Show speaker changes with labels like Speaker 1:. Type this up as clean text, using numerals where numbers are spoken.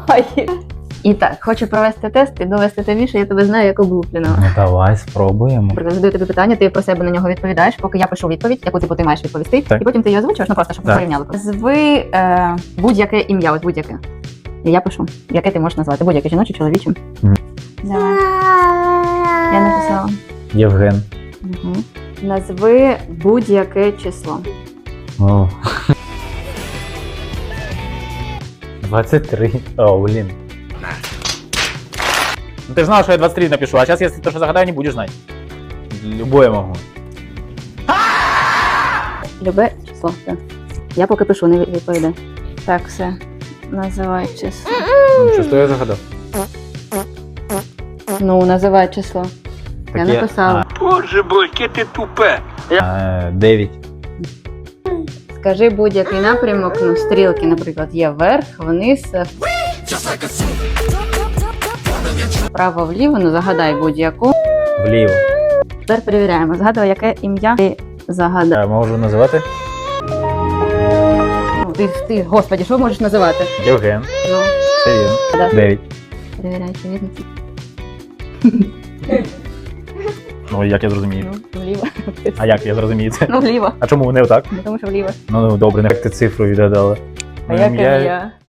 Speaker 1: Давай. І так, хочу провести тест і довести тобі, що я тебе знаю як облупленого.
Speaker 2: Ну давай, спробуємо.
Speaker 1: Наприклад, задаю тобі питання, ти про себе на нього відповідаєш, поки я пишу відповідь, яку ти маєш відповісти,
Speaker 2: Так.
Speaker 1: і потім ти її озвучуєш, ну просто, щоб ми
Speaker 2: Так.
Speaker 1: порівняли. Зви будь-яке ім'я, ось будь-яке. І я пишу, яке ти можеш назвати, будь-яке жіноче, чоловіче. Давай. Я написала.
Speaker 2: Євген.
Speaker 1: Угу. Назви будь-яке число.
Speaker 2: О. 23. О, блін. Ну ти ж знала, що я 23 напишу, а зараз, якщо то, що загадаю, не будеш знати. Любое можу.
Speaker 1: Любе число. Так. Я поки пишу, не відповідаю. Так, все. Називай число.
Speaker 2: Ну, що я загадав?
Speaker 1: Ну, називай число. Я
Speaker 2: Таке-
Speaker 1: написала.
Speaker 3: Боже мой, яке ти тупе.
Speaker 2: 9.
Speaker 1: Скажи будь-який напрямок, ну, стрілки, наприклад, є вверх, вниз, вправо-вліво, ну, загадай будь-яку.
Speaker 2: Вліво.
Speaker 1: Тепер перевіряємо. Згадуй, яке ім'я ти загадав.
Speaker 2: Я можу називати?
Speaker 1: Ну, ти, господи, що можеш називати?
Speaker 2: Євген.
Speaker 1: Ну,
Speaker 2: Це він.
Speaker 1: да.
Speaker 2: 9.
Speaker 1: Перевіряй, чи видно.
Speaker 2: Ну, як я зрозумію.
Speaker 1: Ну, вліво.
Speaker 2: А як я зрозумію це?
Speaker 1: Ну, вліво.
Speaker 2: А чому не отак?
Speaker 1: Ну, тому що вліво.
Speaker 2: Ну, добре, не як ти цифру відгадала.
Speaker 1: А як ім'я?